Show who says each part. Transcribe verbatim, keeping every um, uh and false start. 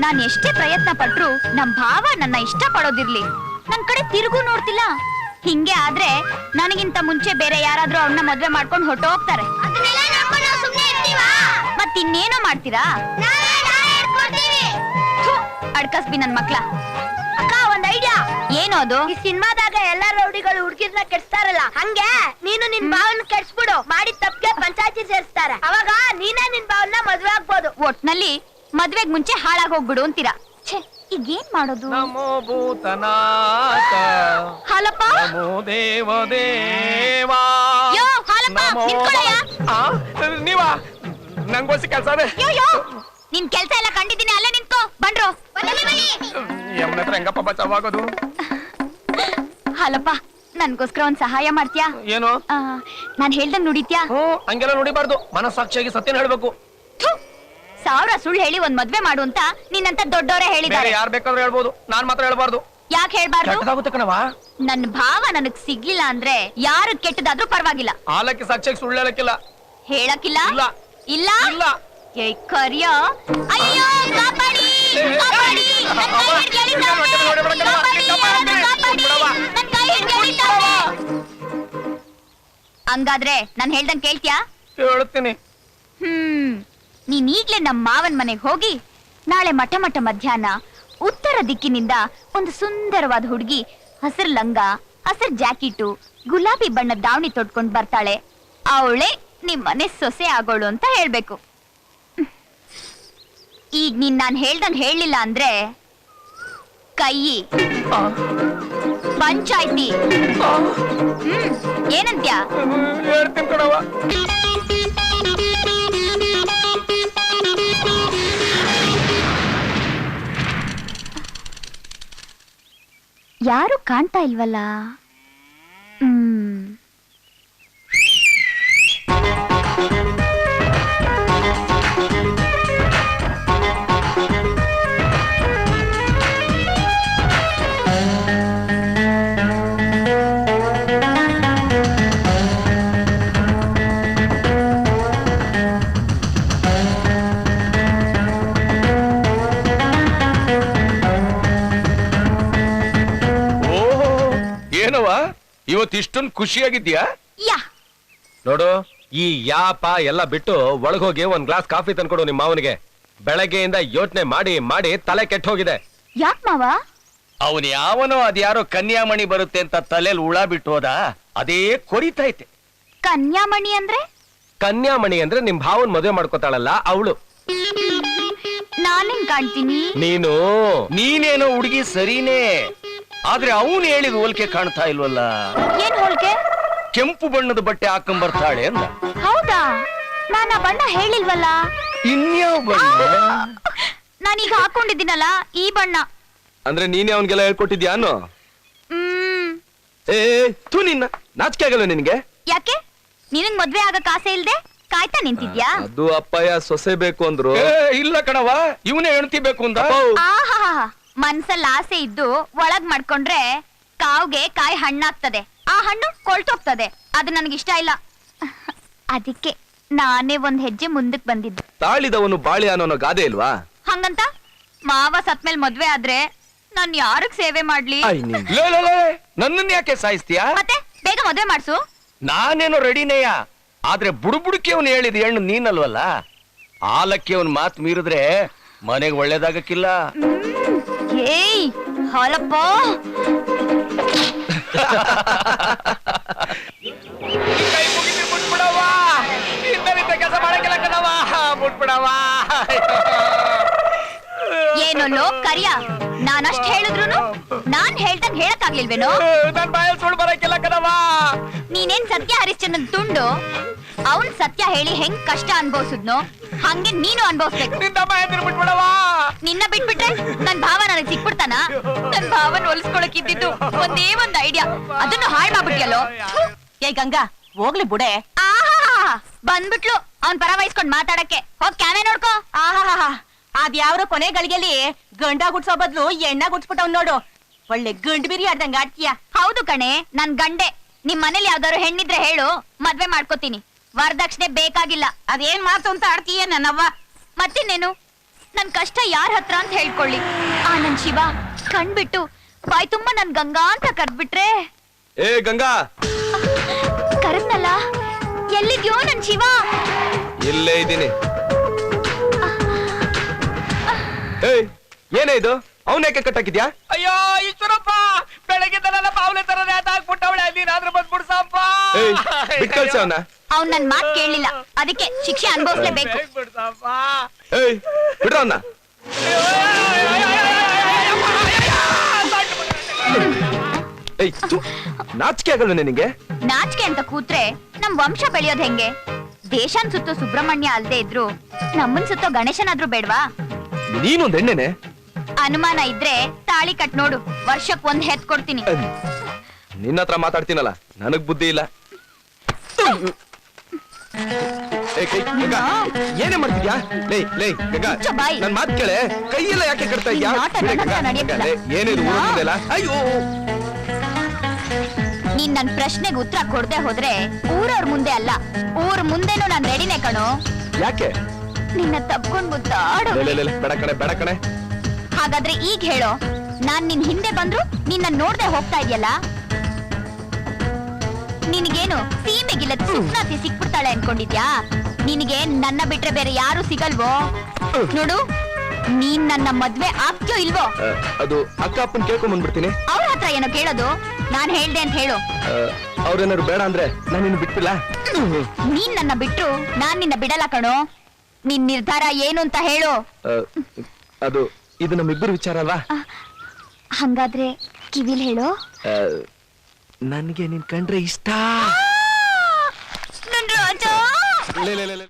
Speaker 1: ನಾನ್ ಎಷ್ಟೇ ಪ್ರಯತ್ನ ಪಟ್ರು ನಮ್ ಭಾವ ನನ್ನ ಇಷ್ಟ ಪಡೋದಿರ್ಲಿ ನನ್ ಕಡೆ ತಿರುಗು ನೋಡ್ತಿಲ್ಲ. ಹಿಂಗೆ ಆದ್ರೆ ನನಗಿಂತ ಮುಂಚೆ ಬೇರೆ ಯಾರಾದ್ರೂ ಅವ್ರನ್ನ ಮದ್ವೆ ಮಾಡ್ಕೊಂಡು ಹೊಟ್ಟೋಗ್ತಾರೆ. ಮತ್ ಇನ್ನೇನೋ ಮಾಡ್ತೀರಾ? ಅಡ್ಕಸ್ಬಿ ನನ್ ಮಕ್ಳ.
Speaker 2: ಅಕ್ಕ ಒಂದ್ ಐಡಿಯಾ.
Speaker 1: ಏನೋ ಅದು?
Speaker 2: ಈ ಸಿನಿಮಾದಾಗ ಎಲ್ಲಾ ರೌಡಿಗಳು ಹುಡುಗಿರ್ನ ಕೆಡ್ಸ್ತಾರಲ್ಲ, ಹಂಗೆ ನೀನು ನಿನ್ ಭಾವನ ಕೆಡ್ಸ್ಬಿಡು. ಮಾಡಿದ ತಪ್ಪಿಗೆ ಪಂಚಾಯತಿ ಸೇರಿಸ್ತಾರೆ. ಅವಾಗ ನೀನೇ ನಿನ್ ಭಾವನ ಮದ್ವೆ ಆಗ್ಬೋದು.
Speaker 1: ಒಟ್ನಲ್ಲಿ ಮದ್ವೆಗ್ ಮುಂಚೆ ಹಾಳಾಗ್ ಹೋಗ್ಬಿಡು ಅಂತೀರಾ? ಛೇ, ಈಗ ಏನ್ ಮಾಡೋದು?
Speaker 3: ನಮೋ ಭೂತನಾಥ
Speaker 1: ಹಾಲಪ್ಪ,
Speaker 3: ನಮೋ ದೇವದೇವಾ.
Speaker 1: ಯೋ ಹಾಲಪ್ಪ, ನಿಂತ್ಕೊಳ್ಳಯ್ಯ.
Speaker 3: ನೀವಾ? ನಂಗೋಸಿ ಕೆಲ್ಸ ಅದೇ.
Speaker 1: ಯೋ ಯೋ, ನಿನ್ ಕೆಲ್ಸ ಎಲ್ಲ ಕಂಡಿದ್ದೀನಿ, ಅಲ್ಲೇ ನಿಂತ್ಕೋ. ಬಂದ್ರು
Speaker 3: ಯಮನ ಹತ್ರ ಹೆಂಗಪ್ಪ ಬಚಾವಾಗೋದು?
Speaker 1: ಹಾಲಪ್ಪ, ನನ್ಗೋಸ್ಕರ ಒಂದ್ ಸಹಾಯ ಮಾಡ್ತೀಯಾ?
Speaker 3: ಏನು?
Speaker 1: ನಾನ್ ಹೇಳ್ದಂಗ್ ನುಡಿತ್ಯಾ?
Speaker 3: ಹ್ಮ್, ಹಂಗೆಲ್ಲ ನುಡಿಬಾರ್ದು. ಮನಸ್ಸಾಕ್ಷಿಯಾಗಿ ಸತ್ಯನ ಹೇಳ್ಬೇಕು.
Speaker 1: ಸಾವಿರ ಸುಳ್ಳು ಹೇಳಿ ಒಂದ್ ಮದ್ವೆ ಮಾಡು ಅಂತ ನಿನ್ನಂತ ದೊಡ್ಡವರೇ ಹೇಳಿದ್ದಾರೆ.
Speaker 3: ಯಾರು ಬೇಕಾದ್ರೂ ಹೇಳ್ಬೋದು, ನಾನ್ ಮಾತ್ರ ಹೇಳ್ಬಾರ್ದು.
Speaker 1: ಯಾಕೆ ಹೇಳ್ಬಾರ್ದು?
Speaker 3: ಕೆಟ್ಟದಾಗುತ್ತೆ ಕಣವಾ.
Speaker 1: ನನ್ ಭಾವ ನನಗ್ ಸಿಗ್ಲಿಲ್ಲ ಅಂದ್ರೆ ಯಾರು ಕೆಟ್ಟದಾದ್ರೂ ಪರವಾಗಿಲ್ಲ.
Speaker 3: ಆಲಕ್ಕೆ ಸಾಕ್ಷಿಯಾಗಿ ಸುಳ್ಳು ಹೇಳಕ್ಕಿಲ್ಲ.
Speaker 1: ಹೇಳಕ್ಕಿಲ್ಲ?
Speaker 3: ಇಲ್ಲ
Speaker 1: ಇಲ್ಲ
Speaker 3: ಇಲ್ಲ.
Speaker 1: ಏ ಕರಿಯ, ಅಯ್ಯೋ ಕಾಪಾಡಿ ಕಾಪಾಡಿ, ನನ್ ಕೈ ಹಿಡ್ದು ಎಳಿತಾವ್ನೆ. ಕಾಪಾಡಿ, ಕಾಪಾಡಿ, ನನ್ ಕೈ ಹಿಡ್ದು ಎಳಿತಾವ್ನೆ. ಹಂಗಾದ್ರೆ ನಾನ್ ಹೇಳ್ದಂಗ್ ಕೇಳ್ತ್ಯಾ?
Speaker 3: ಹೇಳ್ತೀನಿ.
Speaker 1: ಹ್ಮ್, ನೀನ್ ಈಗ್ಲೇ ನಮ್ ಮಾವನ್ ಮನೆಗ್ ಹೋಗಿ ನಾಳೆ ಮಠ ಮಠ ಮಧ್ಯಾಹ್ನ ಉತ್ತರ ದಿಕ್ಕಿನಿಂದ ಒಂದು ಸುಂದರವಾದ ಹುಡುಗಿ ಹಸಿರು ಲಂಗ, ಹಸಿರು ಜಾಕೆಟು, ಗುಲಾಬಿ ಬಣ್ಣದ ದಾವಣಿ ತೊಟ್ಕೊಂಡ್ ಬರ್ತಾಳೆ. ಅವಳೆ ನಿಮ್ ಮನೆ ಸೊಸೆ ಆಗೋಳು ಅಂತ ಹೇಳ್ಬೇಕು. ಈಗ ನೀನ್ ನಾನ್ ಹೇಳ್ದಂಗ್ ಹೇಳಿಲ್ಲ ಅಂದ್ರೆ ಕೈ ಪಂಚಾಯ್ತಿ. ಹ್ಮ್, ಏನಂತ್ಯಾ?
Speaker 3: ಹೇಳ್ತೀನಿ ಕಣವ.
Speaker 1: ಯಾರು ಕಾಣ್ತಾ ಇಲ್ವಲ್ಲ? ಹ್ಮ್,
Speaker 4: ಇವತ್ತು ಇಷ್ಟೊಂದು ಖುಷಿಯಾಗಿದ್ಯಾ?
Speaker 1: ಯಾ
Speaker 4: ನೋಡು, ಈ ಯಾಪ ಎಲ್ಲ ಬಿಟ್ಟು ಒಳಗೋಗಿ ಒಂದ್ ಗ್ಲಾಸ್ ಕಾಫಿ ತಂದ್ಕೊಡು ನಿಮ್ಮ ಮಾವನಿಗೆ. ಬೆಳಗ್ಗೆಯಿಂದ ಯೋಚನೆ ಮಾಡಿ ಮಾಡಿ ತಲೆ ಕೆಟ್ಟ ಹೋಗಿದೆ.
Speaker 1: ಯಾಕ್ ಮಾವ?
Speaker 5: ಅವನ್ ಯಾವನೋ ಅದ್ಯಾರೋ ಕನ್ಯಾಮಣಿ ಬರುತ್ತೆ ಅಂತ ತಲೆಯಲ್ಲಿ ಹುಳ ಬಿಟ್ಟು ಹೋದ, ಅದೇ ಕೊರಿತೈತೆ.
Speaker 1: ಕನ್ಯಾಮಣಿ ಅಂದ್ರೆ?
Speaker 4: ಕನ್ಯಾಮಣಿ ಅಂದ್ರೆ ನಿಮ್ ಭಾವನ್ ಮದುವೆ ಮಾಡ್ಕೋತಾಳಲ್ಲ ಅವಳು.
Speaker 1: ನಾನೇನ್ ಕಾಣ್ತೀನಿ?
Speaker 4: ನೀನು
Speaker 5: ನೀನೇನೋ ಹುಡುಗಿ ಸರಿನೇ, ಆದ್ರೆ ಅವನು ಹೇಳಿದ ಹೋಲಿಕೆ ಕಾಣ್ತಾ ಇಲ್ವಲ್ಲ.
Speaker 1: ಏನ್ ಹೋಲ್ಕೆ?
Speaker 5: ಕೆಂಪು ಬಣ್ಣದ ಬಟ್ಟೆ ಹಾಕೊಂಡ್ ಬರ್ತಾಳೆ ಅಂದ.
Speaker 1: ಹೌದಾ? ನಾನ್ ಆ ಬಣ್ಣ ಹೇಳಿಲ್ವಲ್ಲ.
Speaker 5: ಇನ್ಯಾವ ಬಣ್ಣ?
Speaker 1: ನಾನೀಗ ಹಾಕೊಂಡಿದ್ದೀನಲ್ಲ ಈ ಬಣ್ಣ.
Speaker 4: ಅಂದ್ರೆ ನೀನೇ ಅವನ್ಗೆಲ್ಲ ಹೇಳ್ಕೊಟ್ಟಿದ್ಯಾ ಅನ್ನೋ?
Speaker 1: ಹ್ಮ್.
Speaker 4: ಏ ತೂ, ನಿನ್ನ ನಾಚಿಕೆ ಆಗಲ್ಲ ನಿನ್ಗೆ?
Speaker 1: ಯಾಕೆ? ನಿನಗ್ ಮದ್ವೆ ಆಗಕ್ ಆಸೆ ಇಲ್ದೆ ಕಾಯ್ತಾ ನಿಂತಿದ್ಯಾ?
Speaker 4: ಅದು ಅಪ್ಪಯ್ಯ ಸೊಸೆ ಬೇಕು ಅಂದ್ರು.
Speaker 5: ಇಲ್ಲ ಕಣವ, ಇವನೇ ಹೆಣ್ತಿ ಬೇಕು ಅಂದ.
Speaker 1: ಆಹಾ, ಮನ್ಸಲ್ಲಿ ಆಸೆ ಇದ್ದು ಒಳಗ್ ಮಾಡ್ಕೊಂಡ್ರೆ ಕಾವ್ಗೆ ಕಾಯಿ ಹಣ್ಣಾಗ್ತದೆ, ಆ ಹಣ್ಣು ಕೊಳ್ತೋಗ್ತದೆ. ಅದು ನನಗಿಷ್ಟ ಇಲ್ಲ. ಅದಕ್ಕೆ ನಾನೇ ಒಂದ್ ಹೆಜ್ಜೆ ಮುಂದಕ್ ಬಂದಿದ್ದು.
Speaker 4: ತಾಳಿದವನು ಬಾಳಿ ಅನ್ನೋ ಗಾದೆ ಇಲ್ವಾ?
Speaker 1: ಹಂಗಂತ ಮಾವ ಸತ್ಮೇಲ್ ಮದ್ವೆ ಆದ್ರೆ ನಾನ್ ಯಾರಿಗ್ ಸೇವೆ ಮಾಡ್ಲಿ?
Speaker 5: ನನ್ನನ್ ಯಾಕೆ ಸಾಯಿಸ್ತೀಯಾ?
Speaker 1: ಮತ್ತೆ ಬೇಗ ಮದ್ವೆ ಮಾಡ್ಸು.
Speaker 5: ನಾನೇನೋ ರೆಡಿನೇಯ, ಆದ್ರೆ ಬುಡುಬುಡುಕಿ ಅವನು ಹೇಳಿದ ಹೆಣ್ಣು ನೀನಲ್ವಲ್ಲ. ಆಲಕ್ಕೆ ಅವನ್ ಮಾತು ಮೀರಿದ್ರೆ ಮನೆಗೆ ಒಳ್ಳೇದಾಗಕ್ಕಿಲ್ಲ.
Speaker 1: ಏಯ್ ಹಾಲಪ್ಪ,
Speaker 3: ಕೆಲಸ ಮಾಡಕ್ಕಿಲ್ಲ ಕಣವ, ಮುಟ್ಬಿಡವ.
Speaker 1: ಏನೋ ಕರಿಯ, ನಾನಷ್ಟ್ ಹೇಳಿದ್ರು ನಾನ್ ಹೇಳ್ದಂಗ್ ಹೇಳಕ್ಕಾಗ್ಲಿಲ್ವೇನೋ?
Speaker 3: ನನ್ ಬಾಯಲ್ಲಿ ಸುಳ್ಳು ಬರಕ್ಕಿಲ್ಲ ಕಣವ.
Speaker 1: ನೀನೇನ್ ಸತ್ಯ ಹರಿಶ್ಚಂದ್ರನ್ ತುಂಡು, ಅವನ್ ಸತ್ಯ ಹೇಳಿ ಹೆಂಗ್ ಕಷ್ಟ ಅನ್ಭವಿಸಿದ್ನೋ ಹಂಗೆ ನೀನು ಅನ್ಭವಿಸ್ಬೇಕು. ನಿನ್ನ ಬಿಟ್ಬಿಟ್ರೆ ನನ್ ಭಾವ ನನಗ್ ಸಿಕ್ಬಿಡ್ತಾನ? ನನ್ ಭಾವನ್ ಹೊಲಿಸ್ಕೊಳಕ್ ಇದ್ದಿದ್ದು ಒಂದೇ ಒಂದ್ ಐಡಿಯಾ, ಅದನ್ನು ಹಾಳ್ ಮಾಡ್ಬಿಟ್ಟಿಯಲ್ಲೋ.
Speaker 2: ಏ ಗಂಗಾ, ಹೋಗ್ಲಿ ಬುಡೆ.
Speaker 1: ಆಹಾ, ಬಂದ್ಬಿಟ್ಲು ಅವ್ನ್ ಪರ ವಹಿಸ್ಕೊಂಡ್ ಮಾತಾಡಕ್ಕೆ. ಹೋಗ್ ಕ್ಯಾಮೆ ನೋಡ್ಕೋ.
Speaker 2: ಆಹಾ, ಅದ್ಯಾವ್ರೋ ಕೊನೆ ಗಳಿಗೆಯಲ್ಲಿ ಗಂಡ ಗುಡ್ಸೋ ಬದ್ಲು ಎಣ್ಣ ಗುಡ್ಸ್ಬಿಟ್ಟವ್ ನೋಡು. ಒಳ್ಳೆ ಗಂಡ್ ಬಿರಿ ಆಡ್ದಂಗ ಆಡ್ತೀಯ.
Speaker 1: ಹೌದು ಕಣೆ, ನನ್ ಗಂಡೆ. ನಿಮ್ ಮನೇಲಿ ಯಾವ್ದಾದ್ರು ಹೆಣ್ಣಿದ್ರೆ ಹೇಳು, ಮದ್ವೆ ಮಾಡ್ಕೋತೀನಿ. ವರದಕ್ಷಿಣೆ ಬೇಕಾಗಿಲ್ಲ.
Speaker 2: ಅದೇನ್ ಮಾತು ಅಂತ ಆಡ್ತೀಯ ನನ್ನವ್ವ.
Speaker 1: ಮತ್ತಿನ್ನೇನು, ನನ್ ಕಷ್ಟ ಯಾರ ಹತ್ರ ಅಂತ ಹೇಳ್ಕೊಳ್ಳಿ. ಆ ನನ್ ಶಿವ ಕಣ್ಬಿಟ್ಟು ಬಾಯ್ ತುಂಬಾ ನನ್ ಗಂಗಾ ಅಂತ ಕರ್ದ್ಬಿಟ್ರೆ.
Speaker 4: ಏ ಗಂಗಾ,
Speaker 1: ಕರೆದ್ನಲ್ಲ, ಎಲ್ಲಿದ್ಯೋ ನನ್ ಶಿವ?
Speaker 4: ಇಲ್ಲೇ ಇದ್ದೀನಿ. ಏಯ್, ಏನೇ ಇದು? ಅವನೇಕೆ ಕಟ್ಟಾಕಿದ್ಯಾ?
Speaker 3: ಅಯ್ಯೋ ಈಶ್ವರಪ್ಪ, ಬೆಳಗ್ಗೆದಲ್ಲ ಬಾವ್ಲೆ ತರ ನೇತಾಕ್ಬಿಟ್ಟವಳೆ, ನೀನಾದ್ರೂ ಬಂದ್ಬಿಡ್ಸಪ್ಪ.
Speaker 4: ಏಯ್, ಬಿಟ್ ಕಳ್ಸ ಅವನ.
Speaker 1: ಅವ್ನ್ ನನ್ ಮಾತ್ ಕೇಳಲಿಲ್ಲ, ಅದಕ್ಕೆ ಶಿಕ್ಷೆ ಅನುಭವಿಸ್ಲೇಬೇಕು.
Speaker 3: ಬಿಡ್ಸಪ್ಪ.
Speaker 4: ಏಯ್, ಬಿಡ್ರ ಅವನ್ನ. ಏಯ್, ನಾಚಿಕೆ ಆಗಲ್ವ ನಿನಗೆ?
Speaker 1: ನಾಚಿಕೆ ಅಂತ ಕೂತ್ರೆ ನಮ್ ವಂಶ ಬೆಳೆಯೋದ್ ಹೆಂಗೆ? ದೇಶನ್ ಸುತ್ತೋ ಸುಬ್ರಹ್ಮಣ್ಯ ಅಲ್ದೇ ಇದ್ರು ನಮ್ಮನ್ ಸುತ್ತೋ ಗಣೇಶನಾದ್ರೂ ಬೇಡ್ವಾ?
Speaker 4: ನೀನೊಂದ್ ಎಣ್ಣೆನೆ.
Speaker 1: ಅನುಮಾನ ಇದ್ರೆ ತಾಳಿ ಕಟ್ ನೋಡು, ವರ್ಷಕ್ ಒಂದ್ ಹೆತ್ ಕೊಡ್ತೀನಿ.
Speaker 4: ನಿನ್ನ ಹತ್ರ ಮಾತಾಡ್ತೀನಲ್ಲ, ನನಗ್ ಬುದ್ಧಿ ಇಲ್ಲ. ಏ, ಕೈ, ಗಂಗಾ, ಏನೇ ಮಾಡ್ತಿದ್ಯಾ? ಲೇ ಲೇ ಗಂಗಾ,
Speaker 1: ಮುಚ್ಚ ಬಾಯಿ.
Speaker 4: ನನ್ ಮಾತ್ ಕೇಳೆ. ಕೈಯೆಲ್ಲ ಯಾಕೆ ಕಟ್ತಾ ಇದ್ಯಾ?
Speaker 1: ನಿನ್ ಆಟ
Speaker 4: ಬಿಡೆ
Speaker 1: ನನ್ನ ಹತ್ರ
Speaker 4: ಗಂಗಾ,
Speaker 1: ನಡೆಯಕ್ಕಿಲ್ಲ.
Speaker 4: ಲೇ, ಏನಿದು ಊರಲ್ಲಿದೆಯಲ್ಲ? ಅಯ್ಯೋ,
Speaker 1: ನೀನ್ ನನ್ ಪ್ರಶ್ನೆಗೆ ಉತ್ತರ ಕೊಡದೆ ಹೋದ್ರೆ ಊರವ್ರ ಮುಂದೆ ಅಲ್ಲ, ಊರ್ ಮುಂದೆನೂ ನಾನ್ ರೆಡಿನೇ ಕಣೋ.
Speaker 4: ಯಾಕೆ?
Speaker 1: ನಿನ್ನ ತಪ್ಕೊಂಡ್ ಮುದ್ದಾಡು.
Speaker 4: ಲೇ, ಲೇ, ಲೇ, ಲೇ, ಬೇಡ ಕಣೆ, ಬೇಡ ಕಣೆ.
Speaker 1: ಹಾಗಾದ್ರೆ ಈಗ ಹೇಳೋ, ನಾನ್ ನಿನ್ ಹಿಂದೆ ಬಂದ್ರು ನಿನ್ನ ನೋಡ್ದೆ ಹೋಗ್ತಾ ಇದೆಯಲ್ಲ? ನಿನಗೇನು ಸೀಮೆಗಿಲ್ಲ ಸುಪ್ನಾತಿ ಸಿಕ್ಬಿಡ್ತಾಳೆ ಅನ್ಕೊಂಡಿದ್ಯಾ? ನಿನಗೆ ನನ್ನ ಬಿಟ್ರೆ ಬೇರೆ ಯಾರು ಸಿಗಲ್ವೋ? ನೋಡು, ನೀನ್ ನನ್ನ ಮದ್ವೆ ಆಗ್ತೀಯೋ ಇಲ್ವೋ?
Speaker 4: ಆ, ಅದು ಅಕ್ಕ ಅಪ್ಪನ್ ಕೇಳ್ಕೊಂಡ್ ಬಂದ್ಬಿಡ್ತೀನಿ.
Speaker 1: ಅವ್ರ ಹತ್ರ ಏನೋ ಕೇಳೋದು, ನಾನ್ ಹೇಳ್ದೆ ಅಂತ ಹೇಳು.
Speaker 4: ಅವ್ರೇನಾದ್ರು ಬೇಡ ಅಂದ್ರೆ ನಾನು ನಿನ್ನ ಬಿಟ್ಬಿಲ್ಲ.
Speaker 1: ನೀನ್ ನನ್ನ ಬಿಟ್ರು ನಾನ್ ನಿನ್ನ ಬಿಡಲ್ಲ ಕಣೋ. ನಿನ್ ನಿರ್ಧಾರ ಏನು ಅಂತ ಹೇಳು.
Speaker 4: ಆ, ಅದು ಇದು ನಮ್ಮಿಬ್ಬರು ವಿಚಾರ ಅಲ್ವಾ?
Speaker 1: ಹಂಗಾದ್ರೆ ಕಿವಿಲ್ ಹೇಳು.
Speaker 4: ಆ, ನನ್ಗೆ ನಿನ್ ಕಂಡ್ರೆ ಇಷ್ಟ.
Speaker 1: ನನ್ ರಾಜ.
Speaker 4: ಲೇ, ಲೇ, ಲೇ, ಲೇ.